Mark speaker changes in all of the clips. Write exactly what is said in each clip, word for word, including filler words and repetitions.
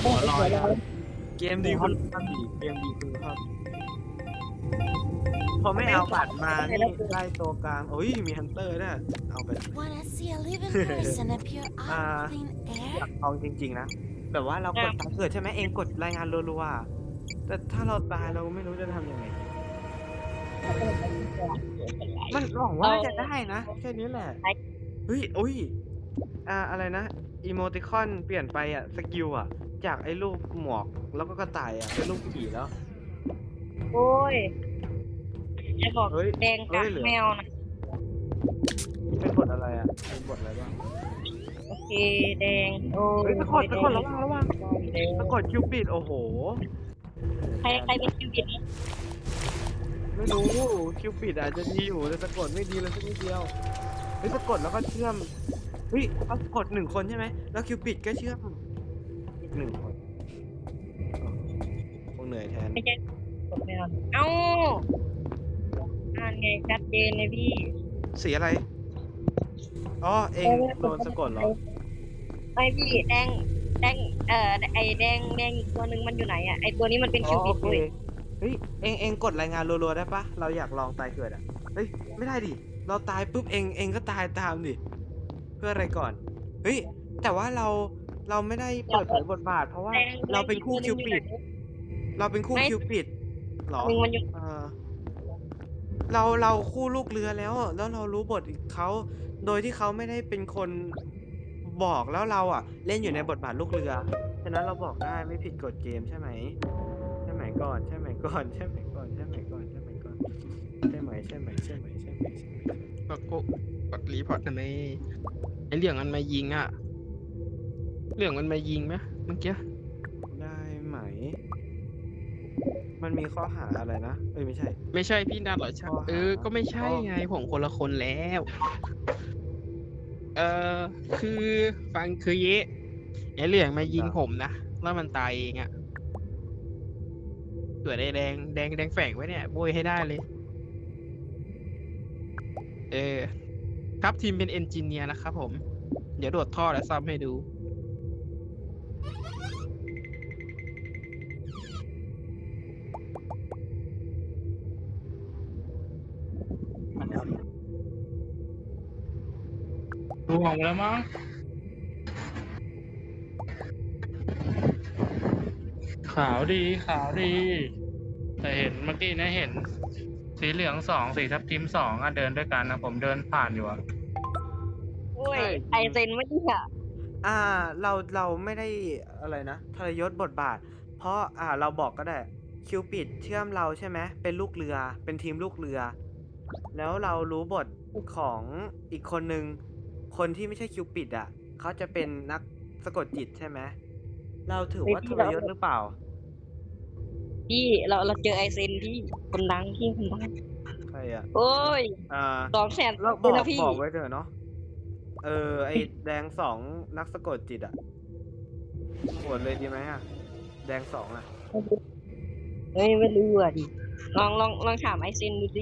Speaker 1: หัวลอยครับ
Speaker 2: เกมดีคุณภาพดีเกมดีคุณภาพพอไม่เอาบัตรมานี่ไล่ตัวกลางโอ้ยมีฮันเตอร์ด้วยเอาไป
Speaker 3: Wanna see a living person appear out of thin
Speaker 2: อ
Speaker 3: air?
Speaker 2: ยากลองจริงๆนะแบบว่าเรากดตามเกิดใช่ไหมเองกดรายงานรัวๆแต่ถ้าเราตายเราไม่รู้จะทำยังไงมันหวังว่าจะได้นะแค่นี้แหละเฮ้ยอุ้ยอ่าอะไรนะอีโมติคอนเปลี่ยนไปอ่ะสกิลอ่ะจากไอ้รูปหมวกแล้วก็กระต่ายอ่ะเป็นรูปผีแล้ว
Speaker 4: โอ้ยจะบอก
Speaker 2: เฮ้ย
Speaker 4: แดง
Speaker 2: เฮ้
Speaker 4: กับ
Speaker 2: ยเหลือ
Speaker 4: แมวนะ
Speaker 2: เป็นบทอะไรอ่ะเป็นบทอะไรบ้าง
Speaker 4: โอเคแดงโอ้
Speaker 2: เฮ้ยตะกดตะกดระวังระวัง
Speaker 4: แดง
Speaker 2: ตะกดคิวปิดโอ้โห
Speaker 4: ใครใครเป็นคิวบิดนะ
Speaker 2: ไม่รู้คิวปิดอาจจะดีอยู่แต่สะกดไม่ดีเลยสักนิดเดียวเฮ้ยสะกดแล้วก็เชื่อมเฮ้ยเขากดหนึ่งคนใช่ไหมแล้วคิวปิดก็เชื่อมอีกหนึ่งคนคงเหนื่อยแทน
Speaker 4: ไม่ใช่กดแมวเอ้าอ่านไงชัดเจนเลยพี่
Speaker 2: สีอะไรอ๋อเองโดนสะกดเหรอ
Speaker 4: ไม่พี่แดงแดงเอ่อไอแดงแดงอีกตัวหนึ่งมันอยู่ไหนอ่ะไอตัวนี้มันเป็น
Speaker 2: อ๋
Speaker 4: คิ
Speaker 2: อ
Speaker 4: วบิ
Speaker 2: โอ
Speaker 4: ด
Speaker 2: เค
Speaker 4: เลย
Speaker 2: เฮ้ยเองเองกดรายงานรัวๆได้ปะเราอยากลองตายเกิดอ่ะเฮ้ยไม่ได้ดิเราตายปุ๊บเองเองก็ตายตามดิเพื่ออะไรก่อนเฮ้ยแต่ว่าเราเราไม่ได้เปิดเผยบทบาท เพราะว่า
Speaker 4: แดง
Speaker 2: เราเป็นคู่
Speaker 4: แดง
Speaker 2: คิว
Speaker 4: อีก
Speaker 2: ปิด
Speaker 4: ตัวหนึ่ง
Speaker 2: เราเป็นคู่
Speaker 4: ไม่
Speaker 2: คิวปิดเหรอ
Speaker 4: หนึ่งมันอยู่
Speaker 2: เออเราเราคู่ลูกเรือแล้วแล้วเรารู้บทเขาโดยที่เขาไม่ได้เป็นคนบอกแล้วเราอ่ะ เล่นอยู่ในบทบาทลูกเรือฉะนั้นเราบอกได้ไม่ผิดกฎเกมใช่ไหมใช่ไหมก่อนใช่ไหมก่อนใช่ไหมก่อนใช่ไหมก่อนใช่ไหมก่อนใช่ไหมใช่ไหมใช่ไหมใช่ไหมใช่ไหม
Speaker 1: ก็กดกดรีพอร์ตกันในไอเรื่องมันมายิงอ่ะ เรื่องมันมายิงไหมเมื่อกี้
Speaker 2: ได้ไหม มันมีข้อหาอะไรนะเอ้ยไม่ใช่
Speaker 1: ไม่ใช่พี่นัดหรอใช่
Speaker 2: ข้อหา
Speaker 1: เออ ก็ไม่ใช่
Speaker 2: ข้อ
Speaker 1: ไงผมคนละคนแล้ว เออคือฟังคือเยะไอเรื่องมายิงผมนะแล้วมันตายเองอ่ะส่วนไอแดงแดงแดงแฝงไว้เนี่ยโบยให้ได้เลย เออ ครับทีมเป็นเอนจิเนียร์นะครับผม เดี๋ยวโดดท่อและซ่อมให้ดู
Speaker 5: ดูออกมาแล้วมั้งขาวดีขาวดี แต่เห็นเมื่อกี้นะเห็น สีเหลืองสองสีทับทิมสองอะเดินด้วยกันนะผมเดินผ่านอยู่อะ
Speaker 4: โอ้ย
Speaker 2: ใช่
Speaker 4: ไอเซนไม่ดีอ่ะ
Speaker 2: อ่าเราเราไม่ได้อะไรนะทรยศบทบาท เพราะอ่าเราบอกก็ได้คิวปิดเชื่อมเราใช่ไหมเป็นลูกเรือเป็นทีมลูกเรือ แล้วเรารู้บทของอีกคนนึงคนที่ไม่ใช่คิวปิดอ่ะเขาจะเป็นนักสะกดจิตใช่ไหมเราถือว่าทรยศหรือเปล่า
Speaker 4: พี่เราเราเจอไอเซนพี่คนดังพี่คนดัง
Speaker 2: ใครอ่ะ
Speaker 4: โอ้ย
Speaker 2: อ่า
Speaker 4: สองแสน
Speaker 2: เราบอก
Speaker 4: นะพี่
Speaker 2: บอกไว้เถอะเนาะเออไอแดงสองนักสะกดจิตอ่ะโหวตเลยดีไหมอ่ะแดงสองอ่ะ
Speaker 4: เฮ้ยไม่รู้อ่ะดิลองลองลองถามไอเซนดูสิ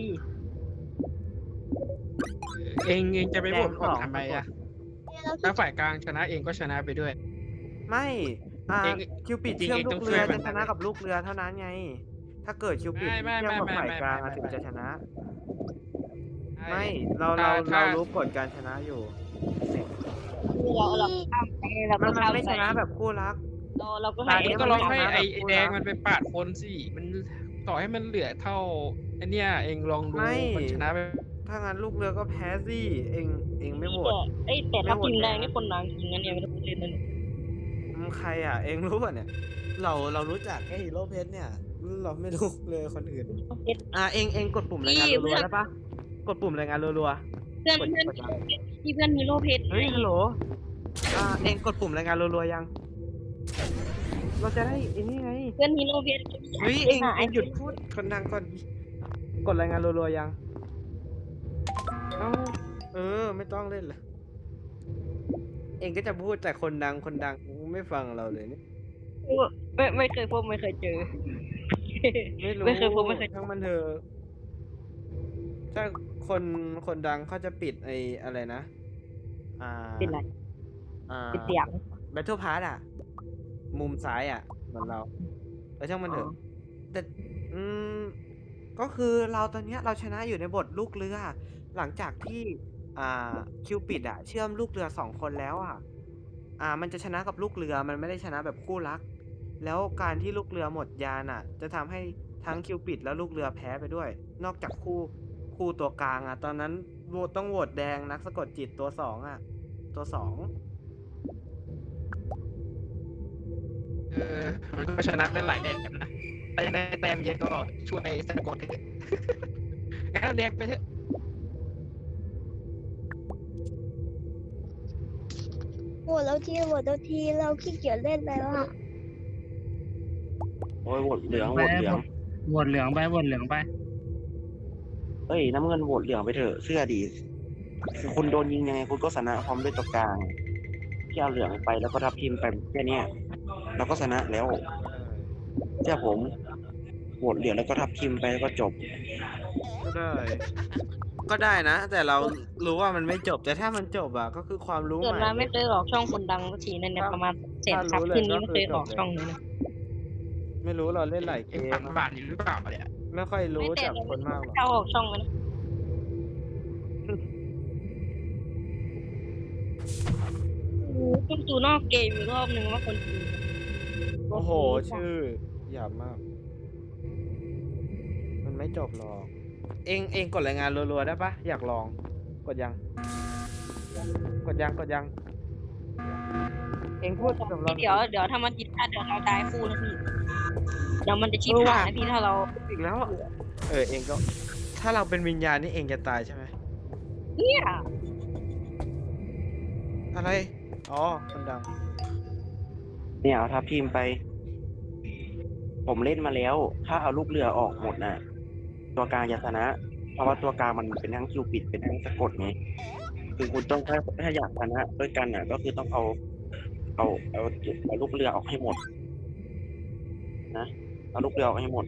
Speaker 1: เองเองจะไปโหวต
Speaker 2: แดง
Speaker 1: ผม
Speaker 2: สอง
Speaker 1: ทำไมอ่ะ ถ้าฝ่ายกลางชนะเองก็ชนะไปด้วย
Speaker 2: ไม่อ่า
Speaker 1: เอง
Speaker 2: คิวปิด
Speaker 1: จริงๆ
Speaker 2: เชื่อม
Speaker 1: เอง
Speaker 2: ลู
Speaker 1: ต้อง
Speaker 2: กเรือ
Speaker 1: ช่วยมัน
Speaker 2: จะชนะกับลูกเรือเท่านั้นไง ถ้าเกิดคิวปิด
Speaker 1: ไม่ไม่
Speaker 2: เชื่อมกับ
Speaker 1: ไม่
Speaker 2: ฝ่าย
Speaker 1: ไม่
Speaker 2: กลาง
Speaker 1: ไม่
Speaker 2: อะถึง
Speaker 1: ไม่
Speaker 2: จะชนะ
Speaker 1: ใช่
Speaker 2: ไม่เราเรา
Speaker 1: ถ้า
Speaker 2: เรารู้กฎการชนะอยู่
Speaker 4: เราเราข้ามไปเรา
Speaker 2: มั
Speaker 4: ก็
Speaker 2: นมัน
Speaker 4: ข้าม
Speaker 2: ไม่
Speaker 4: ไป
Speaker 2: ชนะแบบคู่รัก
Speaker 4: เราเราก็
Speaker 2: ตา
Speaker 4: ให้
Speaker 2: ย
Speaker 1: เอง
Speaker 2: นี้
Speaker 1: ก็
Speaker 2: มัน
Speaker 1: ลอง
Speaker 2: ไม่
Speaker 1: ให้
Speaker 2: ชนะ
Speaker 1: ไอ
Speaker 2: แบบ
Speaker 1: ไอ
Speaker 2: คู่
Speaker 1: แดง
Speaker 2: รัก
Speaker 1: มันไปปาดคนสิ มันต่อให้มันเหลือเท่าไอเนี้ยเองลองดู
Speaker 2: ไม่
Speaker 1: มันชนะไป
Speaker 2: ถ้างั้นลูกเรือก็แพ้สิเองเองไม่โหวต
Speaker 4: เอ้ยแต่ถ้า
Speaker 2: ไม่โหวต
Speaker 4: ทีมแดง
Speaker 2: แดง
Speaker 4: นี่คนดังจริงนะเนี่ยไม่ต้องพูดเล่นนะเนี่ย
Speaker 2: อืมใครอ่ะ เองรู้ป่ะเนี่ย เราเรารู้จักแค่ฮีโร่เพชรเนี่ย เราไม่รู้เลยคนอื่น อ่ะเองเองกดปุ่มรายงานรัวๆได้ปะกดปุ่มรายงานรัว
Speaker 4: เพื่อน
Speaker 2: ๆกด
Speaker 4: เพื่อน
Speaker 2: กดยัง
Speaker 4: ที่เพื่อนฮีโร่เพชร
Speaker 2: เฮ้ยฮัลโหลอ่าเองกดปุ่มรายงานรัวๆยัง เราจะได้ไอ้นี่ไง
Speaker 4: เพื่อนฮีโร่เพชร
Speaker 2: เฮ้ยเองเองหยุดพูดคนดังก่อนดิกดรายงานรัวๆยังเอ้าเออ ไม่ต้องเล่นละเองก็จะพูดแต่คนดังคนดังไม่ฟังเราเลยนี่
Speaker 4: ไม่ไม่เคยพบไม่เคยเจอ
Speaker 2: ไม่รู้
Speaker 4: ไม่เคยพบไม่เคย
Speaker 2: ทั้งมันเถอะถ้าคนคนดังเขาจะปิดไอ้อะไรนะ อ่า
Speaker 4: เป็นไร
Speaker 2: อ่า
Speaker 4: เป็นเสียง
Speaker 2: Battle Pass อ่ะมุมซ้ายอ่ะเหมือนเราเออช่างมันเถอะแต่อืมก็คือเราตอนเนี้ยเราชนะอยู่ในบทลูกเรือ หลังจากที่อ่าคิวปิดอะเชื่อมลูกเรือสองคนแล้วอ่ะอ่ามันจะชนะกับลูกเรือมันไม่ได้ชนะแบบคู่รัก แล้วการที่ลูกเรือหมดยานอ่ะ จะทำให้ทั้งคิวปิดแล้วลูกเรือแพ้ไปด้วย นอกจากคู่คู่ตัวกลางอ่ะ ตอนนั้นโหวตต้องโหวตแดงนักสะกดจิตตัวสองอ่ะ ตัวสอง
Speaker 1: เออมันก็ชนะได้หลายแบบนะแต่ยังได้แต้มเยอะก็ช่วยสะกดเถอะงั้นเราเรียกไปเถอะ
Speaker 6: โหวตแล้วทีโหวตแล้วทีเราขี้เกียจเล่นแล้วอ่ะ
Speaker 7: โอ้ยโหวตเหลืองโหวตเหลือง
Speaker 5: โหวตเหลืองไปโหวตเหลืองไป
Speaker 7: เอ้ยน้ำเงินโหวตเหลืองไปเถอะเสื้อดีคือคุณโดนยิงยังไงคุณก็ชนะพร้อมด้วยตัวกลางที่เอาเหลืองไปแล้วก็ทับทีมไปแค่เนี้ยเราก็ชนะแล้วเชื่อผมโหวตเหลืองแล้วก็ทับทีมไปแล้วก็จบ
Speaker 2: ก็ได้ ก็ได้นะ แต่เรารู้ว่ามันไม่จบ แต่ถ้ามันจบอ่ะ ก็คือความรู้
Speaker 4: เกิด
Speaker 2: ใหม่
Speaker 4: มาไม่เคยออกช่องคนดังสักทีนั่นเนี่ยประมาณเศษซับที่นี้ไม่เคยออกช่องนี้นะ
Speaker 2: ไม่รู้เราเล่นหลายเก
Speaker 1: เอ็ง
Speaker 2: ม
Speaker 1: ฟังบานอยู่หรือเปล่าเนี่ย
Speaker 2: ไม่ค่อยรู้จากคนมากหรอก
Speaker 4: เข้าออกช่องมันนะต้องดูนอกเกมอีกรอบนึงว่าคนดู
Speaker 2: โอ้โห ชื่อหยาบมาก มันไม่จบหรอก เองเองกดรายงานรัวๆได้ปะอยากลอง กดยัง กดยังกดยัง เองพูดกับเรา
Speaker 4: เดี๋ยวเดี๋ยวถ้ามันจิตพลาดเดี๋ยวเราตายคู่นะพี่เดี๋ยวมันจะชิบหายนะพี่ถ้าเรา
Speaker 2: อีกแล้วอะเออเองก็ ถ้าเราเป็นวิญญาณนี่เองจะตายใช่ไหม
Speaker 4: เนี่ย
Speaker 2: อะไร อ๋อ คนดัง
Speaker 7: เนี่ยเอาทับทีมไป ผมเล่นมาแล้ว ถ้าเอาลูกเรือออกหมดน่ะ ตัวกลางจะชนะ เพราะว่าตัวกลางมันเป็นทั้งคิวปิดเป็นทั้งสะกดไงคือคุณต้องถ้าถ้าอยากชนะด้วยกันน่ะ ก็คือต้องเอา เอาเอาเอาลูกเรือออกให้หมด นะเอาลูกเรือออกให้หมด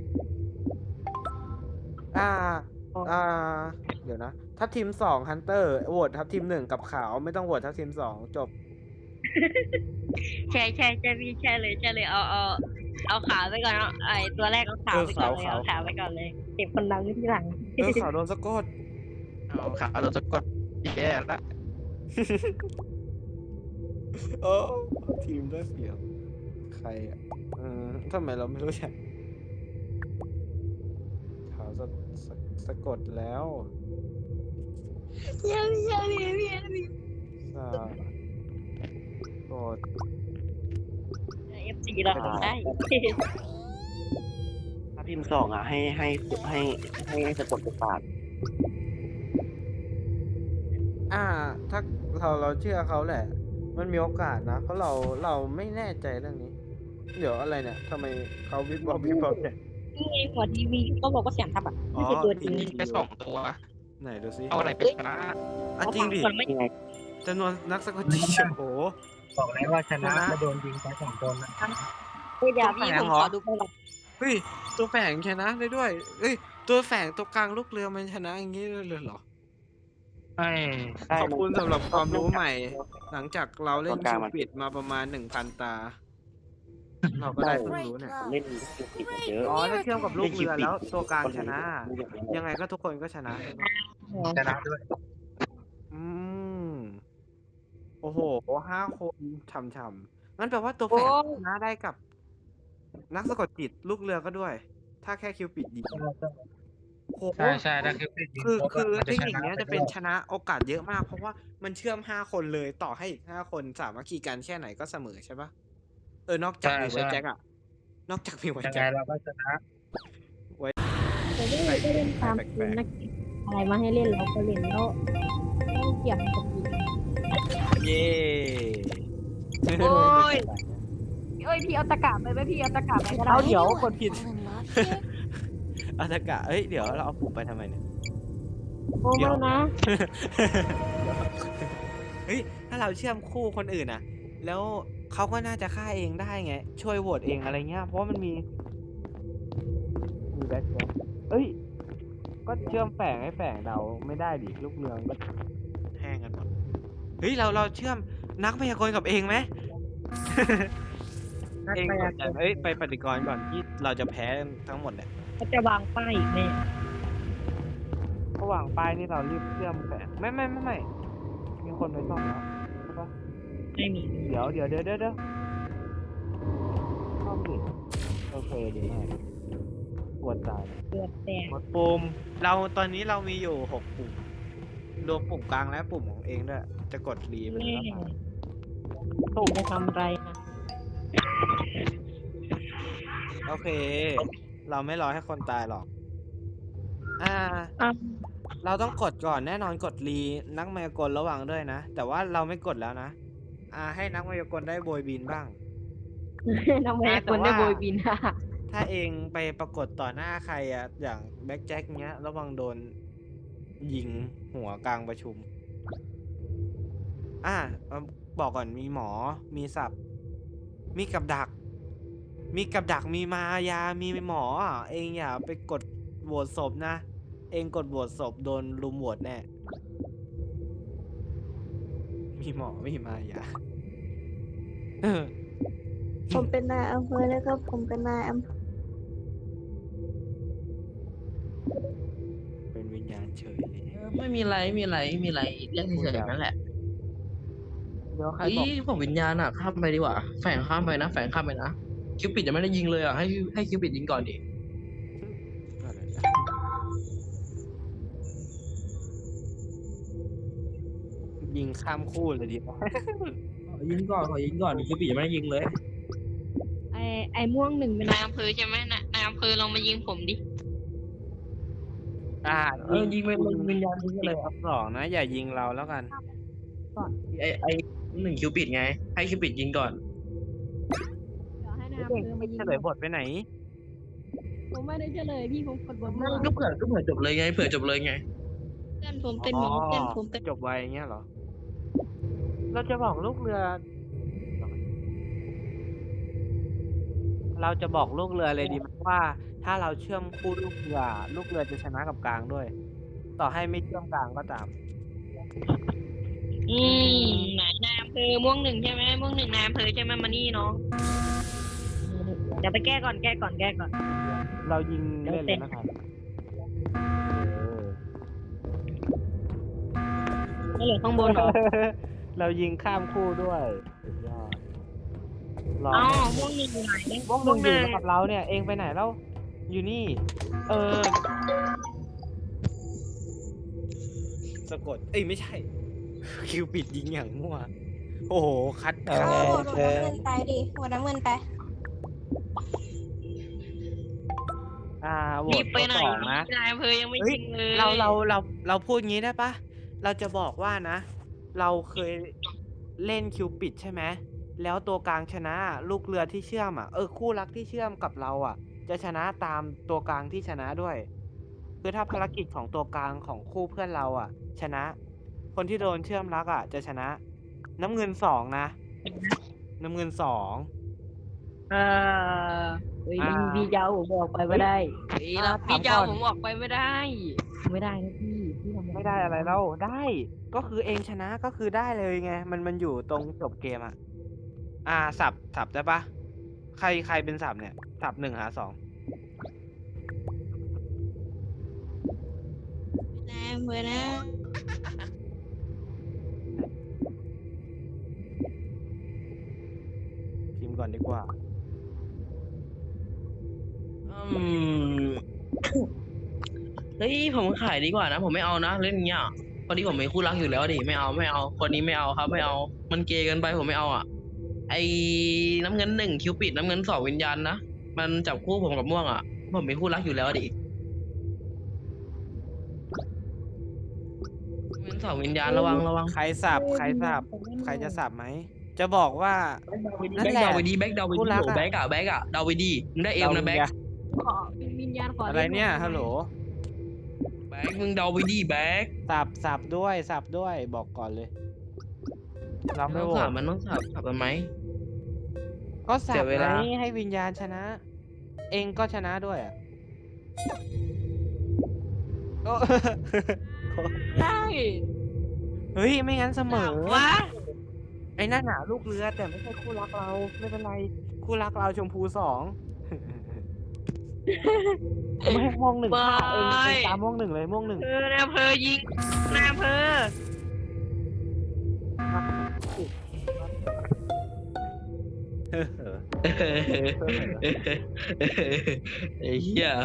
Speaker 2: อ่า อ่า เดี๋ยวนะ ทัพทีมสองฮันเตอร์โหวตทัพทีมหนึ่งกับขาวไม่ต้องโหวตทัพทีมสองจบ
Speaker 4: ใช่ใช่ใช่พี่ใช่เลยใช่เลยเอาเอาเอาขาวไปก่อนเนาะไอตัวแรกเอาขาวไปก่อนเลยเอาขาวไปก่อนเลยเก็บคนดังที่หลัง
Speaker 2: เออขาวโดนสะกด
Speaker 1: เอาขาเราจะกดแย่ละ
Speaker 2: โอ้ทีมได้เปรียบใครอ่ะอืมทำไมเราไม่รู้จักขาวสะสะสะกดแล้ว
Speaker 6: ยังยังยังยัง
Speaker 2: สะกด
Speaker 4: เอฟซีเราทำได้
Speaker 7: ถ้าทีมสองอ่ะให้ให้ให้ให้ให้สะกดตัวปาด
Speaker 2: อ่า ถ้าเราเราเชื่อเขาแหละ มันมีโอกาสนะ เพราะเราเราไม่แน่ใจเรื่องนี้ เดี๋ยวอะไรเนี่ยทำไมเขาวิบวับวิบวับเนี่ย
Speaker 4: นี่ไงหัวทีวีก็บอกว่าเสียงทับอ่ะ
Speaker 2: อ๋อ
Speaker 4: ไม่ใช่ตัวจริง
Speaker 1: ยิงไปสองตัว
Speaker 2: ไหนดูซิ
Speaker 1: เอาอะไรไปชนะ
Speaker 2: อ่ะจริงดิ
Speaker 4: คนไม่
Speaker 7: ยังไง
Speaker 2: จำนวนนักสะกดจิตโอ้โห
Speaker 5: บอกแล้วว่าชนะ
Speaker 2: ชนะ
Speaker 5: แล้วโดนยิงไปสองคนนะ
Speaker 4: เดี๋ยวพี่ผมขอดูก่อน
Speaker 2: เฮ้ยตัวแฝงชนะได้ด้วยเอ้ยตัวแฝงตัวกลางลูกเรือมันชนะอย่างนี้เลยเหรอ
Speaker 5: ไอ้
Speaker 7: ใช่
Speaker 2: ขอบคุณ
Speaker 7: มัน
Speaker 2: สำหรับความรู้ใหม่ หลังจากเราเล่น
Speaker 7: ตัวกลา
Speaker 2: คิ
Speaker 7: ง
Speaker 2: ว
Speaker 7: มัน
Speaker 2: ปิดมาประมาณหนึ่งพันตา เราก็ได้ความ
Speaker 3: Great
Speaker 2: รู้เนี่ย
Speaker 3: love.
Speaker 7: เล่นคิวปิดมาเยอะ
Speaker 2: อ๋อถ้าเชื่อมกับลูกเรือแล้วตัวกลางชนะ
Speaker 7: คนไหน
Speaker 2: ยังไงก็ทุกคนก็ชนะใช่ไหม
Speaker 5: ชนะด้วย
Speaker 2: อืมโอ้โหห้าคนช่ำๆงั้นแปลว่าตัวแฝงชนะได้กับ นักสะกดจิตลูกเรือก็ด้วย ถ้าแค่คิวปิดยิงโอ้โห
Speaker 5: ใช่ใช่ถ้าคือปิดยิง
Speaker 2: คือ
Speaker 5: ปุ๊บ
Speaker 2: คือ
Speaker 5: มัน
Speaker 2: เทคนิค
Speaker 5: ชะ
Speaker 2: เนี้ยจะเป็นชนะโอกาสเยอะมาก เพราะว่ามันเชื่อมห้าคนเลยต่อให้อีกห้าคนสามัคคีกันแค่ไหนก็เสมอใช่ปะเออนอกจากมีไวแจ็คอะนอกจากมีไว
Speaker 5: ยังไง
Speaker 2: แจ็ค
Speaker 5: เราก็ชนะ
Speaker 6: แต่เล่นก็เล่นตามเกมนักอะไรมาให้เล่นเราก็เล่นแล้วต้องเกี่ยงกับอีก
Speaker 2: เย้
Speaker 4: โอ้ย
Speaker 6: เอ้ยพี่เอาตะกร้าไปไหมพี่เอาตะกร้าไปก็ได้
Speaker 2: เอาเดี๋ยวกดผิด
Speaker 3: Fall in love here?
Speaker 2: อัตกะเอ้ยเดี๋ยวเราเอาปุ่มไปทำไมเนี่ย
Speaker 6: โอ้ไม่นะ
Speaker 2: เฮ้ยถ้าเราเชื่อมคู่คนอื่นอะแล้วเขาก็น่าจะฆ่าเองได้ไง ช่วยโหวตเองอะไรเงี้ยเพราะว่ามันมีมีแบ็คแบ็คเอ้ย ก็เชื่อมแฝงให้แฝงเดาไม่ได้ดิลูกเรืองก็แห้งกันหมดเฮ้ยเราเราเชื่อมนักพยากรณ์กับเองไหมเองกดดันเอ้ยไปปฏิกรณ์ก่อนที่เราจะแพ้ทั้งหมดเนี่ย
Speaker 4: เขาจะวางป้ายอีกแน่
Speaker 2: ระหว่างป้ายนี่เรารีบเชื่อมแฝงไม่ไม่ไม่ไม่มีคนไปซ่อมแล้วใช่ปะ
Speaker 4: ไม่มี
Speaker 2: เดี๋ยวเดี๋ยวเดี๋ยวเดี๋ยวเดี๋ยวซ่อมดิโอเคดีมากปวดตาย
Speaker 4: เลือดแตก
Speaker 2: หมดปุ่มเราตอนนี้เรามีอยู่หกปุ่มรวมปุ่มกลางและปุ่มของเองด้วยจะกดรีไป
Speaker 4: แน่
Speaker 2: แล้ว
Speaker 4: ถูกจะทำอะไรนะ
Speaker 2: โอเค เราไม่รอให้คนตายหรอก อ่า
Speaker 4: อ่ะ
Speaker 2: เราต้องกดก่อนแน่นอนกดรีนักมายากลระวังด้วยนะ แต่ว่าเราไม่กดแล้วนะ อ่า ให้นักมายากลได้โบยบินบ้าง
Speaker 6: ทำไมคนได้โบยบินอ่ะ
Speaker 2: ถ้าเองไปปรากฏต่อหน้าใครอะอย่างแบ็คแจ็คเงี้ย ระวังโดนยิงหัวกลางประชุม อ่าเอาบอกก่อนมีหมอ มีสับ มีกับดัก มีกับดัก มีมายา มีหมออ่ะเองอย่าไปกดโหวตศพนะ เองกดโหวตศพโดนลุมโหวตแน่ มีหมอ มีมายา
Speaker 8: ผมเป็นนายอำเภอแล้วก็ผมเป็นนายอำเภอ
Speaker 2: เป็นวิญญาณเฉย
Speaker 9: ไม่มีไรไม่มีไรไม่มีไรเรื่องเฉยๆนั่นแหละ
Speaker 2: เดี๋ยวใคร
Speaker 9: เฮ้
Speaker 2: บอก
Speaker 9: ยผมวิญญาณอ่ะข้ามไปดีกว่าแฝงข้ามไปนะแฝงข้ามไปนะคิวปิดยังไม่ได้ยิงเลยอ่ะให้ให้คิวปิดยิงก่อนดิ
Speaker 2: ยิงข้ามคู่เลยดีป่ะ
Speaker 9: ขอยิงก่อนขอยิงก่อนคิวปิดยังไม่ได้ยิงเลย
Speaker 4: ไอไอม่วงหนึ่งเป็นนายอำเภอใช่ไหมนายนายอำเภอลองมายิงผมดิ
Speaker 2: อ่า
Speaker 9: เออยิงไปเลยวิญญาณยิงไปเลย
Speaker 2: รอบสองนะ อย่ายิงเราแล้วกัน
Speaker 9: ไอไอหนึ่งคิวปิดไง ให้คิวปิดยิงก่อน
Speaker 6: เดี๋ยวให้นายอำเภอมายิง
Speaker 2: เฉลยบทไปไหน
Speaker 6: ผมไม่ได้เฉลยพี่ผมกดบน
Speaker 9: นั่นก็เผื่อก็เผื่อจบเลยไงเผื่อจบเลยไง
Speaker 4: เพื่อนผมเป็นหมอเพื่อนผมเป็น
Speaker 2: จบไวอย่างเงี้ยเหรอ เราจะบอกลูกเรือ เราจะบอกลูกเรือเลยดีไหมว่า ถ้าเราเชื่อมคู่ลูกเรือ ลูกเรือจะชนะกับกลางด้วย ต่อให้ไม่เชื่อมกลางก็ตาม
Speaker 4: อืมไหนนายอำเภอม่วงหนึ่งใช่ไหมม่วงหนึ่งนายอำเภอใช่ไหมมานี่น้องเดี๋ยวไปแก้ก่อนแก้ก่อนแก้ก่อน
Speaker 2: เรายิงเล่นเลยนะครับเออ
Speaker 4: ไม่เหลือข้างบนเหรอ
Speaker 2: เรายิงข้ามคู่ด้วยสุดยอดรอ
Speaker 4: อ๋อม่วงหนึ่งอยู่ไหน
Speaker 2: ม่วงหนึ่งอยู่กับเราเนี่ย เองไปไหนแล้ว อยู่นี่ เออ สะกด เอ้ยไม่ใช่ คิวปิดยิงอย่างมั่ว โอ้โห คัด
Speaker 8: เอา
Speaker 2: คัด
Speaker 8: หัวน้ำเงินไปดิหัวน้ำเงินไป
Speaker 2: อ่าโหว
Speaker 4: รี
Speaker 2: ต
Speaker 4: บไปไหน
Speaker 2: ตัวสองนะ
Speaker 4: นายอำเภอยังไม่
Speaker 2: เฮ้ย
Speaker 4: ยิงเลย
Speaker 2: เราเราเราเราพูดงี้ได้ปะ เราจะบอกว่านะ เราเคยเล่นคิวปิดใช่ไหม แล้วตัวกลางชนะ ลูกเรือที่เชื่อมอ่ะ เออคู่รักที่เชื่อมกับเราอ่ะ จะชนะตามตัวกลางที่ชนะด้วย คือถ้าภารกิจของตัวกลางของคู่เพื่อนเราอ่ะ ชนะ คนที่โดนเชื่อมรักอ่ะ จะชนะ น้ำเงินสองนะ น้ำเงินสอง
Speaker 6: เออเฮ้ย
Speaker 2: อ่า
Speaker 6: พี่เจ้าผมออกไปไม่ได้
Speaker 4: เฮ้ยเราพี่เจ้าผมออกไปไม่ได้
Speaker 6: ไม่ได้นะพี่พี่ทำ
Speaker 2: ไม่ได้อะไรแล้วได้ ก็คือเองชนะก็คือได้เลยไง มันมันอยู่ตรงจบเกมอ่ะ อ่าสับสับได้ปะใครใครเป็นสับเนี่ย สับหนึ่งหาสอง
Speaker 8: นายอำเภอนะ
Speaker 2: พิมพ์ก่อนดีกว่า
Speaker 9: อืม เฮ้ยผมขายดีกว่านะ ผมไม่เอานะเล่นเงี้ยพอดีผมมีคู่รักอยู่แล้วดิไม่เอาไม่เอา คนนี้ไม่เอาครับ ไม่เอา มันเกย์เกันไปผมไม่เอาอ่ะ ไอ้น้ำเงินหนึ่งคิวปิดน้ำเงินสองวิญญาณนะมันจับคู่ผมกับม่วงอ่ะผมมีคู่รักอยู่แล้วดิน้ำเงินสองวิญญาณระวังระวัง
Speaker 2: ใครสับใครสับใครจะสับไหม จะบอกว่า นั่
Speaker 9: แบ็
Speaker 2: น
Speaker 9: ค
Speaker 2: แหละ
Speaker 9: ดาวไปดีแบ็คดาวไป
Speaker 2: คู่
Speaker 9: ดี
Speaker 2: รัก
Speaker 9: โอ้
Speaker 2: อะ
Speaker 9: แบ็คอะแบ็คอะดาวไปดีมึงได้เอมนะแบ็ค
Speaker 6: ขอวิญญาณขอ
Speaker 2: อะไรเนี่ย ฮัลโหล
Speaker 9: แบ็คมึงดาวไปดีแบ็ค
Speaker 2: สับสับด้วยสับด้วยบอกก่อนเลย เรา
Speaker 9: มัน
Speaker 2: ไม่
Speaker 9: ต้อง
Speaker 2: โหว
Speaker 9: สั
Speaker 2: ต
Speaker 9: บมันต้องสับสับทำไม
Speaker 2: ก็สั
Speaker 9: เสี
Speaker 2: บ
Speaker 9: ยเว
Speaker 2: ไง
Speaker 9: ลา
Speaker 2: ให้วิญญาณชนะ เองก็ชนะด้วยอ่ะโอ้
Speaker 6: ได้
Speaker 2: เฮ้ย ไม่งั้นเสมอ
Speaker 4: วะ
Speaker 2: ไอ้นั่นหนาลูกเรือแต่ไม่ใช่คู่รักเรา ไม่เป็นไร คคู่รักเราชมพูสองไม่ให้ม่วงหนึ่งฆ่าเองเองตามม่วงหนึ่งเลยม่วงหนึ่ง
Speaker 4: เออนายอำเภอยิงนายอำเภอ
Speaker 9: ไอ้เหี้ย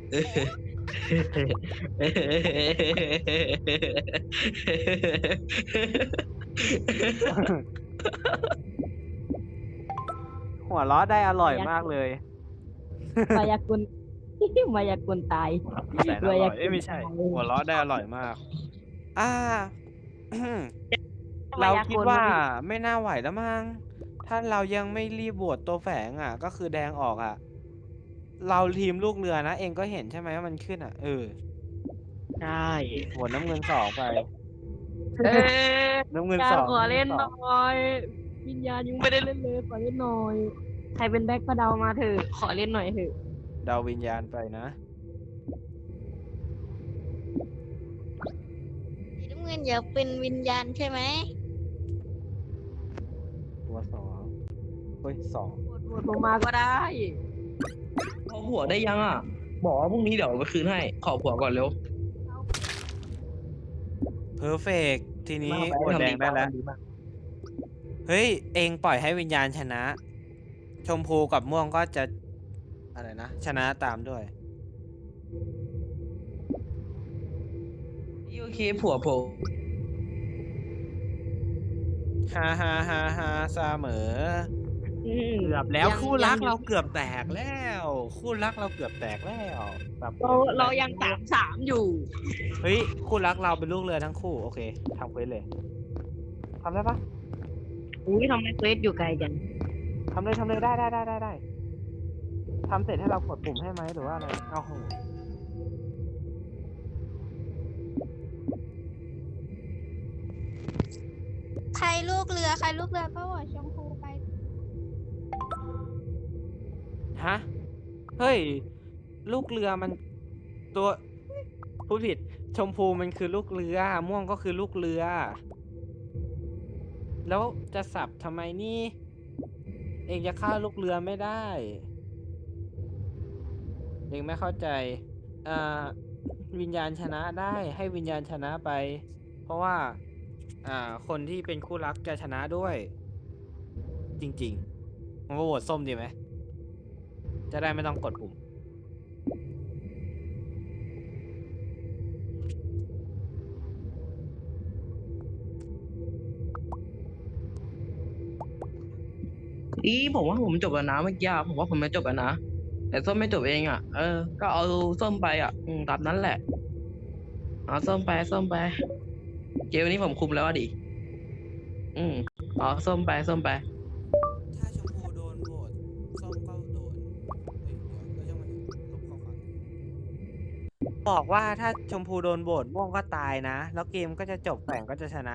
Speaker 2: หัวล้อได้อร่อยมากเลย
Speaker 6: มายากุล มายากุลตาย
Speaker 2: แสนอร่อยเอ้ยไม่ใช่ หัวล้อได้อร่อยมาก อ่า เราคิดว่าไม่น่าไหวแล้วมั้งถ้าเรายังไม่รีบโหวตตัวแฝงอ่ะ ก็คือแดงออกอ่ะ เราทีมลูกเรือนะ เองก็เห็นใช่ไหมว่ามันขึ้นอ่ะ เออ
Speaker 4: ใช่
Speaker 2: โหวตน้ำเงินสองไป
Speaker 4: เออ
Speaker 2: น้ำเงิน
Speaker 4: กา
Speaker 2: ส
Speaker 4: ร
Speaker 2: อง
Speaker 4: ขอเล่น
Speaker 2: ำ
Speaker 4: ห
Speaker 2: งิสอง
Speaker 4: น่อย วิญญาณยังไม่ได้เล่นเลยขอเล่นหน่อย ใครเป็นแบ็คก็เดามาเถอะขอเล่นหน่อยเถอะ
Speaker 2: เดาวิญญาณไปนะ
Speaker 8: สีน้ำเงินอยากเป็นวิญญาณใช่ไหม
Speaker 2: ตัวสองเฮ้ยสอง
Speaker 4: โหวตโหวตผมมาก็ได้
Speaker 9: ขอผัวได้ยังอ่ะ บอกว่าพรุ่งนี้เดี๋ยวไปคืนให้ ขอผัวก่อนเร็ว
Speaker 2: เพอร์เฟกทีนี้
Speaker 9: มาก
Speaker 2: โหวต
Speaker 9: ทำ
Speaker 2: แด
Speaker 9: ดี
Speaker 2: งได้
Speaker 9: มาก
Speaker 2: แล้ว
Speaker 9: ทำดีมาก
Speaker 2: เฮ้ย เองปล่อยให้วิญญาณชนะ ชมพูกับม่วงก็จะ อะไรนะ ชนะตามด้วย
Speaker 9: โอเคผัวผม
Speaker 2: ฮ่าฮ่าฮ่าฮ่าเสมอ
Speaker 4: อืม
Speaker 2: เกือบแล้ว
Speaker 4: ยัง
Speaker 2: คู่รัก
Speaker 4: ยัง
Speaker 2: เราเกือบแตกแล้ว คู่รักเราเกือบแตกแล้วแบบ
Speaker 4: เราเรายังสามสามอยู่
Speaker 2: เฮ้ย คู่รักเราเป็นลูกเรือทั้งคู่ โอเคทำเควสเลยทำได้ปะ
Speaker 4: อุ้ยทำไมเควสอยู่ไกลจัง
Speaker 2: ทำเลยทำเลยได้ได้ได้ได้ได้ทำเสร็จให้เรากดปุ่มให้ไหมหรือว่าอะไรเอาโห
Speaker 8: ใครลูกเรือ ใครลูกเรือก็โหวตชมพูไป
Speaker 2: ฮะ เฮ้ย ลูกเรือมันตัวพูดผิด ชมพูมันคือลูกเรือ ม่วงก็คือลูกเรือ แล้วจะสับทำไมนี่ เองจะฆ่าลูกเรือไม่ได้ เองไม่เข้าใจ อ่า วิญญาณชนะได้ให้วิญญาณชนะไป เพราะว่า อ่า คนที่เป็นคู่รักจะชนะด้วย จริงๆมันก็โหวตส้มดีไหม จะได้ไม่ต้องกดปุ่ม
Speaker 9: อีผมว่าผมจบแล้วนะเมื่อกี้อะผมว่าผมไม่จบแล้วนะ แต่ส้มไม่จบเองอ่ะ เออ ก็เอาส้มไปอ่ะ อืมตามนั้นแหละ เอาส้มไปส้มไป เกมนี้ผมคุมแล้วอะดิ อืมเอาส้มไปส้มไป
Speaker 2: ถ้าชมพูโดนโหวตส้มก็โดนเฮ้ยเดี๋ยวก็ยังมันลบข้อความบอกว่าถ้าชมพูโดนโหวตม่วงก็ตายนะ แล้วเกมก็จะจบแข่งก็จะชนะ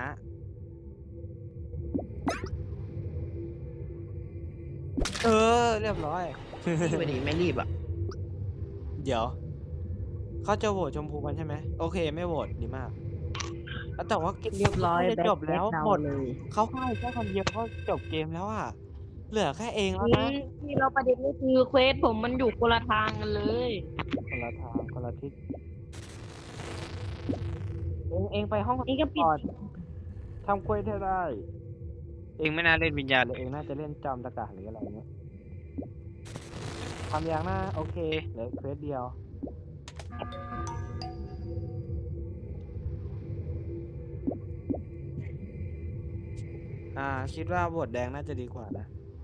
Speaker 2: เออ เรียบร้อย
Speaker 9: รีบไปดิไม่รีบอ่ะ
Speaker 2: เดี๋ยว เขาจะโหวตชมพูกันใช่ไหมโอเคไม่โหวตดีมากแล้วแต่ว่าเกม
Speaker 4: เรียบร้อย
Speaker 2: จะจบแล้ว
Speaker 4: แบ็ค
Speaker 2: หมด
Speaker 4: เลย
Speaker 2: เขาให้แค่คนเดียวก็จบเกมแล้วอ่ะ เหลือแค่เองแล้วนะ
Speaker 4: ที่เราประเด็นก็คือเควสผมมันอยู่คนละทางกันเลย
Speaker 2: คนละทางคนละทิศเองเองไปห้อง
Speaker 4: นี่ก็ปิด
Speaker 2: ก่อนทำเควสให้ได้ เองไม่น่าเล่นวิญญาณเลยเองน่าจะเล่นจอมตะกะหรืออะไรเงี้ยทำอย่างหน้าโอเคเหลือเควสเดียว อ่า คิดว่าบทแดงน่าจะดีกว่านะ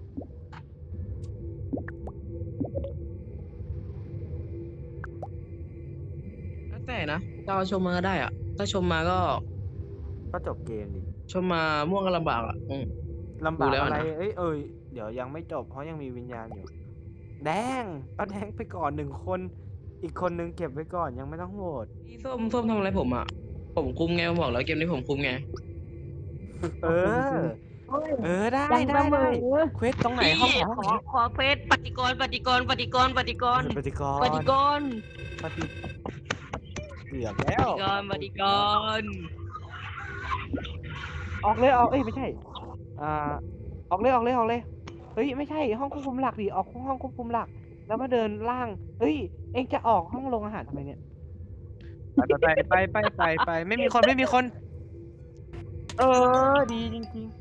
Speaker 9: แล้วแต่นะจะเอาชมมาก็ได้อ่ะ ถ้าชมมาก็
Speaker 2: ก็จบเกมดิ
Speaker 9: ชมมาม่วงก็ลำบากอ่ะ อืม
Speaker 2: ลำบาก
Speaker 9: ดูแล้ว
Speaker 2: อะไร
Speaker 9: นะ
Speaker 2: เอ้ยเอ้ยเดี๋ยวยังไม่จบเพราะยังมีวิญญาณอยู่ แดงเอาแดงไปก่อนหนึ่งคน อีกคนนึงเก็บไว้ก่อนยังไม่ต้องโหวต
Speaker 9: พี่ส้มส้มทำอะไรผมอ่ะ ผมคุมไงผมบอกแล้วเกมนี้ผมคุมไง
Speaker 2: เออ เออได้
Speaker 4: ยัง
Speaker 2: ได้
Speaker 4: เสม
Speaker 2: ได้
Speaker 4: อ
Speaker 2: เควสตรงไหนห้องไหนห้อง
Speaker 4: ข
Speaker 2: ไห
Speaker 4: อน ขอเควสปฏิกรณ์ปฏิกรณ์ปฏิกรณ์ปฏิกรณ์
Speaker 2: ปฏิกร
Speaker 4: ปฏิกรณ์
Speaker 2: ปฏิเกือบแล้ว
Speaker 4: ปฏิกรณ์ปฏิกรณ์
Speaker 2: ออกเลยออกเอ้ยไม่ใช่ อ่า ออกเลยออกเลยออกเลยเฮ้ยไม่ใช่ห้องควบคุมหลักดิออกห้องควบคุมหลัก แล้วมาเดินล่างเฮ้ยเองจะออกห้องโรงอาหารทำไมเนี่ยไปไปไปไปไปไปไม่มีคนไม่มีคน เออดีจริง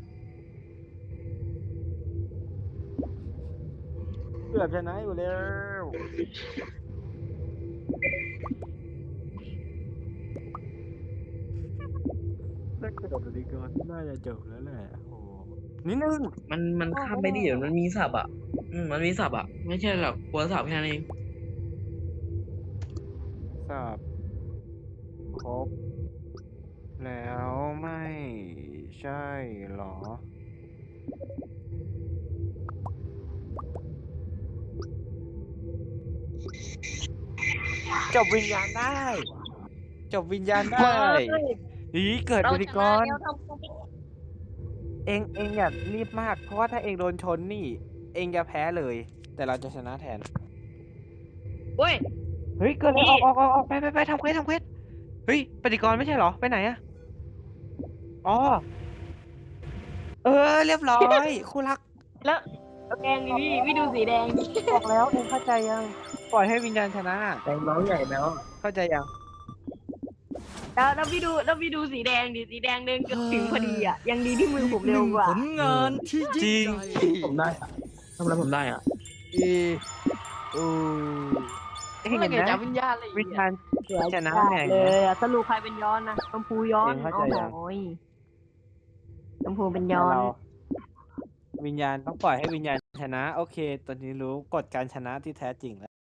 Speaker 2: ๆเกือบชนะอยู่แล้วถ้าเกิดดีก่อนน่าจะจบแล้วแหละโอ้นิดนึง
Speaker 9: มันมันข้ามไปดิเดี๋ยวมันมีสับอ่ะอืมมันมีสับอ่ะ ไม่ใช่หรอกกลัวสับแค่นั้นเอง
Speaker 2: ทราบครบ แล้วไม่ใช่หรอ จบวิญญาณได้ จบวิญญาณได้อีเกิดบริกร เองเองอย่ารีบมาก เพราะว่าถ้าเองโดนชนนี่ เองจะแพ้เลย แต่เราจะชนะแทน
Speaker 4: เว้ย
Speaker 2: เฮ้ย เกิดอะไรออกออกออกออกไปไปไปทำเควสทำเควสเฮ้ยปฏิกรณ์ไม่ใช่เหรอ ไปไหนอะอ๋อ เออ เรียบร้อย คู่รัก
Speaker 4: แล้วแดงดิพี่พี่ดูสีแดงดิ
Speaker 2: บอกแล้วเองเข้าใจยัง ปล่อยให้วิญญาณชนะ
Speaker 9: แดงน้องใหญ่แล้ว
Speaker 2: เข้าใจยัง
Speaker 4: แล้วแล้วพี่ดูแล้วพี่ดูสีแดงดิสีแดงเดินเกือบถึงพอดีอ่ะยังดีที่มือผมเร็วกว่า
Speaker 10: ผลงานที่
Speaker 2: จริ
Speaker 10: ยิ่
Speaker 2: ง
Speaker 10: งใหญ่
Speaker 9: ผมได้อะทำอะไรผมได้อ่ะ
Speaker 2: อีอูเอง
Speaker 4: เมื่อ
Speaker 2: เห็น
Speaker 4: ไหร่
Speaker 2: ไหม
Speaker 4: จะวิญญาณเลย
Speaker 2: วิญญาณชนะแน่
Speaker 4: เลยอะสรุปใครเป็นย้อนนะชมพูย้อน
Speaker 2: เองเข้าใจยัง
Speaker 4: โอ้ยชมพูเป็นย้อน
Speaker 2: เราวิญญาณต้องปล่อยให้วิญญาณชนะ โอเค ตอนนี้รู้กฎการชนะที่แท้จริงแล้ว